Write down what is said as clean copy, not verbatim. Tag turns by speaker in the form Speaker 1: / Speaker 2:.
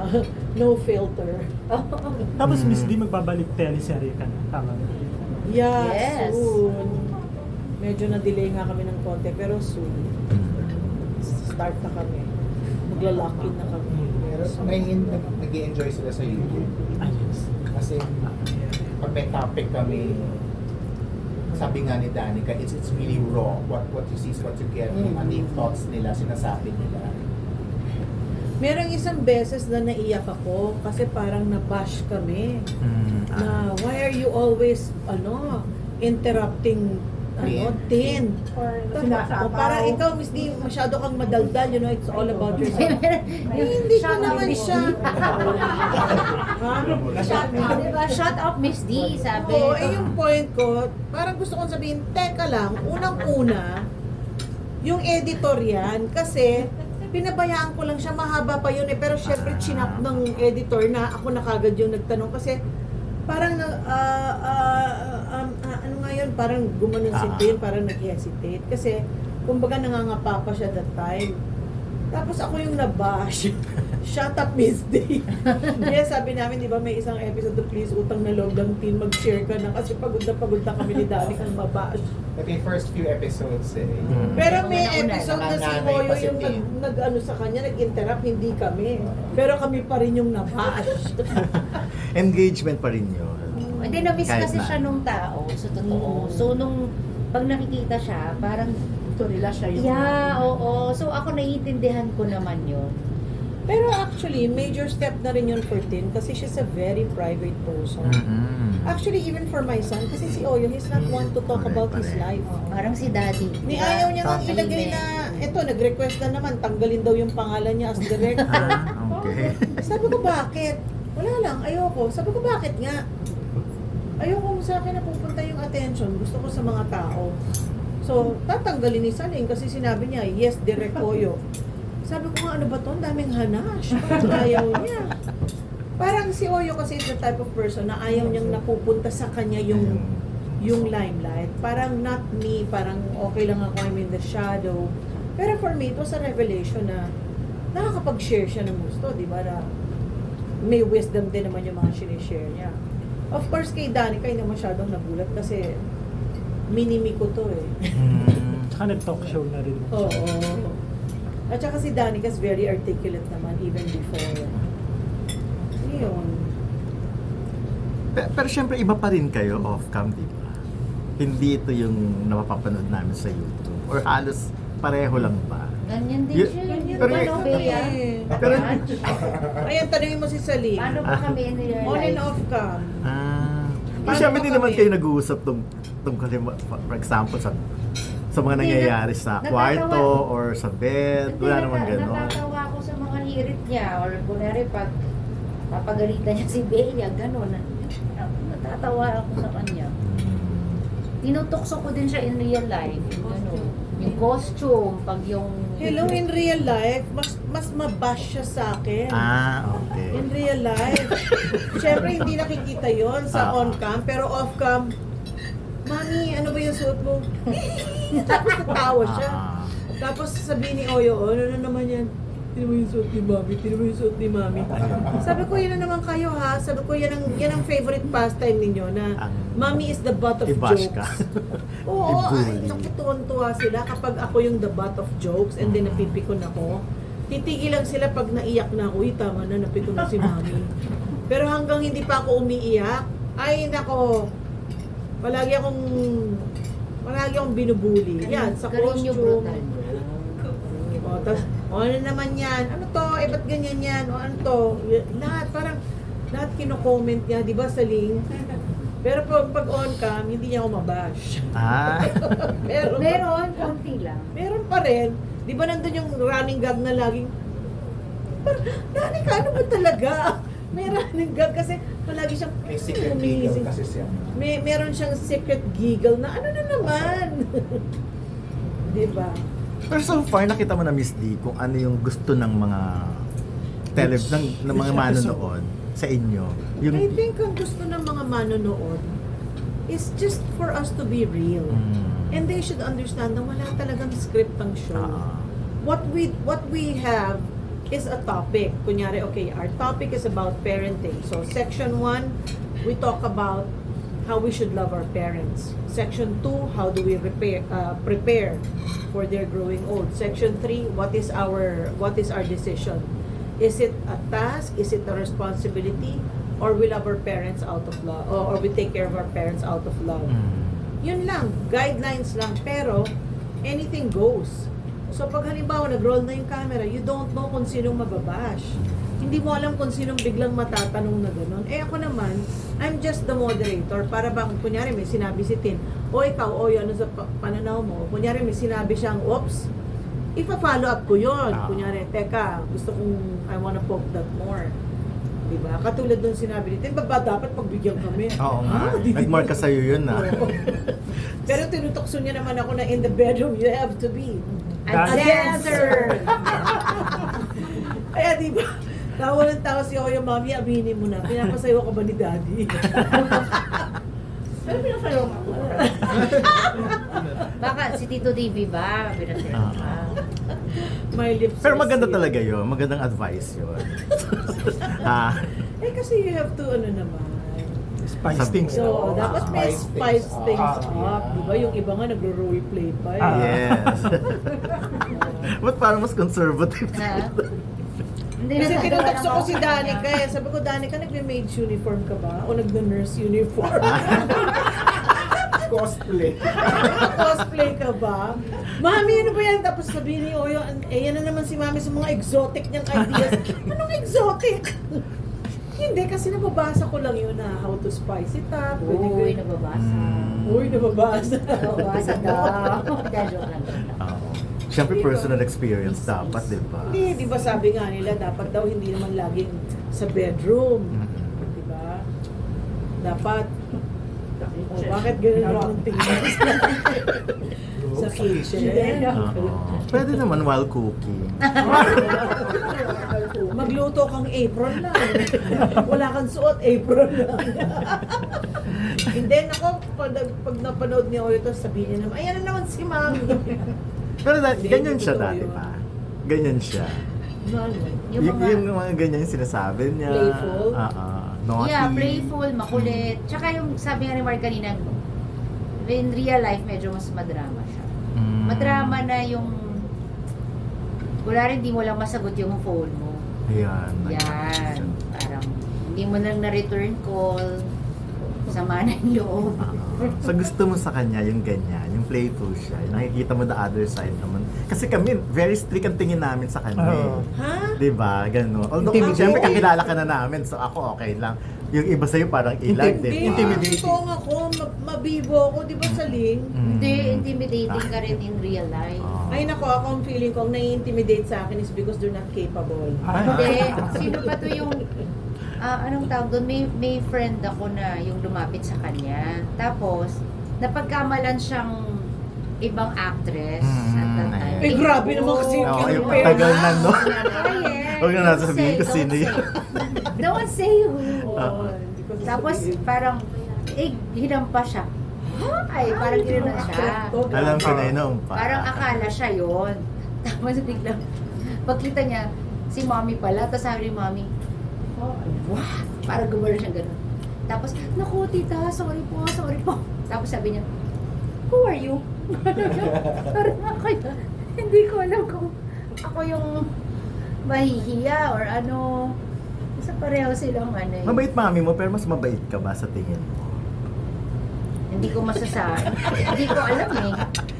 Speaker 1: no filter.
Speaker 2: Tapos Miss D, magbabalik teleserye ka na. Tama ba?
Speaker 1: Yeah,
Speaker 3: Yes.
Speaker 1: soon. Medyo na-delay nga kami ng konti, pero soon. Start na kami. Magla-lock in na kami.
Speaker 4: Pero nag-i-enjoy sila sa YouTube.
Speaker 2: Ah, yes.
Speaker 4: Kasi pag may topic kami, sabi nga ni Danica, it's really raw. What you see is what you get. Ano yung thoughts nila, sinasabi nila.
Speaker 1: Merong isang beses na naiyak ako kasi parang na-bash kami. Na why are you always interrupting Tin. O parang ikaw, Miss D, masyado kang madaldal, it's all about yourself. Hindi ko naman siya.
Speaker 3: Diba? Shut up, Miss D, sabi.
Speaker 1: Oo, yung point ko, parang gusto kong sabihin, teka lang, unang-una, yung editor yan, kasi pinabayaan ko lang siya, mahaba pa yun pero syempre chinap ng editor na ako na kagad yung nagtanong kasi parang ano nga yun, parang gumanon si Tin, parang nag-hesitate kasi kumbaga nangangapa pa siya that time. Tapos ako yung nabash. Shut up, Miss D. Yes, sabi namin, di ba, may isang episode na please, utang na loob ng Tin, mag-share ka na kasi pagod na kami ni Dani kang mabash.
Speaker 4: But yung first few episodes
Speaker 1: Pero may
Speaker 3: Una-una,
Speaker 1: episode na si
Speaker 4: nanganay
Speaker 1: Moyo
Speaker 4: pa si
Speaker 1: yung
Speaker 4: Tin.
Speaker 1: nag-ano sa kanya, nag-interrupt, hindi kami. Pero kami pa rin yung nabash.
Speaker 5: Engagement pa rin yun.
Speaker 3: Hindi, na-miss
Speaker 5: Kahit
Speaker 3: kasi
Speaker 5: na.
Speaker 3: siya nung tao, sa totoo. So, nung pag nakikita siya, parang
Speaker 1: Relax siya yung
Speaker 3: yeah, oo. So, ako naiintindihan ko naman yun.
Speaker 1: Pero actually, major step na rin yun for Tin kasi she's a very private person. Actually, even for my son, kasi si Oyo, he's not one to talk about his life.
Speaker 3: Parang si Daddy.
Speaker 1: Ni
Speaker 3: diba?
Speaker 1: ayaw niya nang ilagay
Speaker 3: Tahimik.
Speaker 1: na, eto, nag-request na naman, tanggalin daw yung pangalan niya as director.
Speaker 5: Okay.
Speaker 1: Sabi ko, bakit? Wala lang, ayoko. Sabi ko, bakit nga? Ayoko sa akin na pupunta yung attention. Gusto ko sa mga tao. So, tatanggalin ni Saling kasi sinabi niya, yes, direct Oyo. Sabi ko nga, ano ba to? Ang daming hanash. Parang ayaw niya. Parang si Oyo kasi is the type of person na ayaw niyang napupunta sa kanya yung limelight. Parang not me, parang okay lang ako, I'm in the shadow. Pero for me, it was a revelation na nakakapag-share siya ng gusto, di ba? Na may wisdom din naman yung mga sinishare niya. Of course, kay Danica, hindi masyadong nagulat kasi minimi ko to eh.
Speaker 2: Tsaka nag-talk show na rin.
Speaker 1: Oo. At saka si Danica is very articulate naman even before. Yun.
Speaker 5: Pero syempre iba pa rin kayo off-cam, di ba? Hindi ito yung napapanood namin sa YouTube. Or halos pareho lang ba?
Speaker 3: Ganyan din
Speaker 5: Y-
Speaker 3: siya.
Speaker 1: Ganyan
Speaker 5: Pero-
Speaker 1: din ako
Speaker 3: Bea.
Speaker 1: eh.
Speaker 5: Pero,
Speaker 1: Ayan, tanongin mo si Saling.
Speaker 3: Paano ba kami in real
Speaker 1: On and
Speaker 3: life?
Speaker 1: off cam.
Speaker 5: Pero
Speaker 1: Paano
Speaker 5: syempre
Speaker 1: ba
Speaker 5: hindi naman
Speaker 1: kami?
Speaker 5: kayo nag-uusap tungkol, for example, sa mga
Speaker 3: Hindi,
Speaker 5: nangyayari sa
Speaker 3: natatawa.
Speaker 5: kwarto or sa bed. Wala naman gano'n.
Speaker 3: Natatawa ako sa mga hirit niya. Or kunwari pag papagalitan niya si Bea, gano'n. Natatawa ako sa kanya. Tinutokso ko din siya in real life. Yung gano'n. Yung costume, pag yung...
Speaker 1: Hello, in real life, mas mabash siya sa akin.
Speaker 5: Okay.
Speaker 1: In real life. Siyempre, hindi nakikita yon sa on-cam, pero off-cam, Mami, ano ba yung suot mo? Tapos natawa siya. Tapos sabihin ni Oyo, ano na naman yan? Tino mo yung suot ni Mami, tino mo yung suot ni Mami. Sabi ko, yan na naman kayo ha. Sabi ko, yan ang favorite pastime ninyo na Mami is the butt of
Speaker 5: I-bash
Speaker 1: jokes.
Speaker 5: ka.
Speaker 1: Oo,
Speaker 5: I-bully.
Speaker 1: nakituwan-tuwa sila kapag ako yung the butt of jokes and then napipikon ako. Titigil lang sila pag naiyak na ako, tama na, napikon na si Mami. Pero hanggang hindi pa ako umiiyak, ay nako, palagi akong binubuli. Yan, sa
Speaker 3: Karinyo
Speaker 1: costume.
Speaker 3: brutal.
Speaker 1: O, tas, ano naman yan? Ano to? Ba't ganyan yan? O ano to? Lahat, parang, lahat kino-comment niya, di ba, sa link? Pero pag on-cam, hindi niya ako mabash.
Speaker 3: Meron, konti lang.
Speaker 1: Meron pa rin. Di ba nandun yung running gag na laging, Nani ka, ano ba talaga? May running gag kasi palagi siyang
Speaker 4: May secret giggle
Speaker 1: umiisip.
Speaker 4: kasi siya.
Speaker 1: Meron siyang secret giggle na ano na naman. Di ba?
Speaker 5: Pero so far, nakita mo na Miss D kung ano yung gusto ng mga ng mga manonood sa inyo.
Speaker 1: I think ang gusto ng mga manonood is just for us to be real. And they should understand na wala talagang script ang show. What we have is a topic. Kunyari, okay, our topic is about parenting. So, section 1, we talk about how we should love our parents. Section 2, how do we prepare for their growing old. Section 3, what is our decision? Is it a task? Is it a responsibility? Or we love our parents out of love? Or we take care of our parents out of love? Yun lang, guidelines lang. Pero, anything goes. So, pag halimbawa, nag-roll na yung camera, you don't know kung sinong mababash. Hindi mo alam kung sinong biglang matatanong na gano'n. Eh ako naman, I'm just the moderator. Para bang, kunyari may sinabi si Tin, o ikaw, o ano sa pananaw mo. Kunyari may sinabi siyang, oops, ipa-follow up ko yun. Kunyari, teka, gusto kong, I wanna poke that more. Diba? Katulad dun sinabi ni Tin, ba dapat pagbigyan kami?
Speaker 5: Oo nga. Nag-mark ka sa'yo yun
Speaker 1: Pero tinutokso niya naman ako na in the bedroom, you have to be
Speaker 3: A
Speaker 2: Dancer.
Speaker 3: dancer!
Speaker 1: Kaya di ba, tawa ng tawa si Oyo, Mami, aminin mo na, pinapasayo ka ba ni Daddy? Pero pinapasayo ka ako.
Speaker 3: Baka si Tito TV ba? Pinasayo ka.
Speaker 1: My lips
Speaker 5: Pero
Speaker 1: are
Speaker 5: maganda
Speaker 1: sealed.
Speaker 5: talaga yun. Magandang advice yun. Ha?
Speaker 1: Eh kasi you have to, ano naman.
Speaker 2: Spice things.
Speaker 1: So, dapat may
Speaker 4: Spice
Speaker 1: spice
Speaker 4: things
Speaker 1: things
Speaker 4: up.
Speaker 1: up. Di ba? Yung iba nga nagro-roleplay pa eh.
Speaker 5: Yes. Ba't parang mas conservative?
Speaker 3: Ha? Hindi
Speaker 1: Kasi
Speaker 3: na
Speaker 1: tinutokso ko si Danica eh. Sabi ko, Danica, nagme-maid's uniform ka ba? O nagme-nurse uniform?
Speaker 4: Cosplay.
Speaker 1: Cosplay ka ba? Mami, ano ba yan? Tapos sabihin ni Oyo, eh yan na naman si Mami sa mga exotic niyang ideas. Anong exotic? Hindi, kasi nababasa ko lang yun na how to spice it up.
Speaker 3: Uy, nababasa.
Speaker 1: Uy, nababasa.
Speaker 3: Nababasa daw. Joke lang.
Speaker 5: Oo. Siyempre personal experience dapat, di ba?
Speaker 1: Hindi, di ba sabi nga nila, dapat daw hindi naman laging sa bedroom. Di ba? Dapat, oh, bakit ganun lang ang tingin? Sa kitchen.
Speaker 5: Oo. Pwede naman while cooking.
Speaker 1: Magluto kang apron lang. Wala kang suot, apron lang. And then ako, pag napanood niya ulit, sabihin niya naman, ayan na naman si Mami.
Speaker 5: Pero ganyan siya dati pa. Ganyan siya. Yung mga ganyan yung sinasabi niya.
Speaker 1: Playful?
Speaker 5: Naughty.
Speaker 3: Yeah, playful, makulit. Tsaka yung sabi nga ni Mark kanina, in real life, medyo mas madrama siya. Madrama na yung wala rin, di mo lang masagot yung phone mo.
Speaker 5: Ayan.
Speaker 3: Yan. Parang hindi mo lang na-return call. Sama na yung loob.
Speaker 5: So gusto mo sa kanya yung ganyan, yung playful siya. Yung nakikita mo the other side naman. Kasi kami, very strict ang tingin namin sa kanya.
Speaker 2: Oo.
Speaker 1: Ha?
Speaker 5: Diba? Gano'n. Although,
Speaker 1: Intimidating.
Speaker 5: siyempre kakilala ka na namin, so ako okay lang. Yung iba sa'yo parang ilag,
Speaker 1: Hindi,
Speaker 5: diba?
Speaker 2: Intimidating.
Speaker 1: Totoo ako, mabibo ako, di ba sa link?
Speaker 3: Hindi, intimidating ka rin in real life.
Speaker 1: Ay nako, ako ang feeling ko, ang nai-intimidate sa akin is because they're not capable.
Speaker 3: Hindi, sino pa to yung anong tawag doon? May friend ako na yung lumapit sa kanya. Tapos, napagkamalan siyang ibang actress at that time.
Speaker 1: Eh, grabe naman kasi yung
Speaker 5: Oo, yung
Speaker 1: kinupera.
Speaker 5: tagal na, no?
Speaker 3: Yes.
Speaker 5: Huwag na nasabihin ko sino yun.
Speaker 3: Don't say who.
Speaker 1: Oo, hindi ko
Speaker 3: Tapos,
Speaker 1: sasabihin.
Speaker 3: parang, hinampa siya. Ay, parang gano'n siya.
Speaker 5: Alam ko na yun pa.
Speaker 3: Parang akala siya yon. Tapos biglang, pagkita niya, si mommy pala. Tapos sabi ni mommy, oh, what? Parang gumano siya gano'n. Tapos, naku tita, sorry po. Tapos sabi niya, who are you? Parang ako yun. Hindi ko alam kung ako yung mahihiya or ano. Kasi pareho silang ano eh.
Speaker 5: Mabait mami mo, pero mas mabait ka ba sa tingin mo?
Speaker 3: Hindi ko masasabi. Hindi ko alam eh.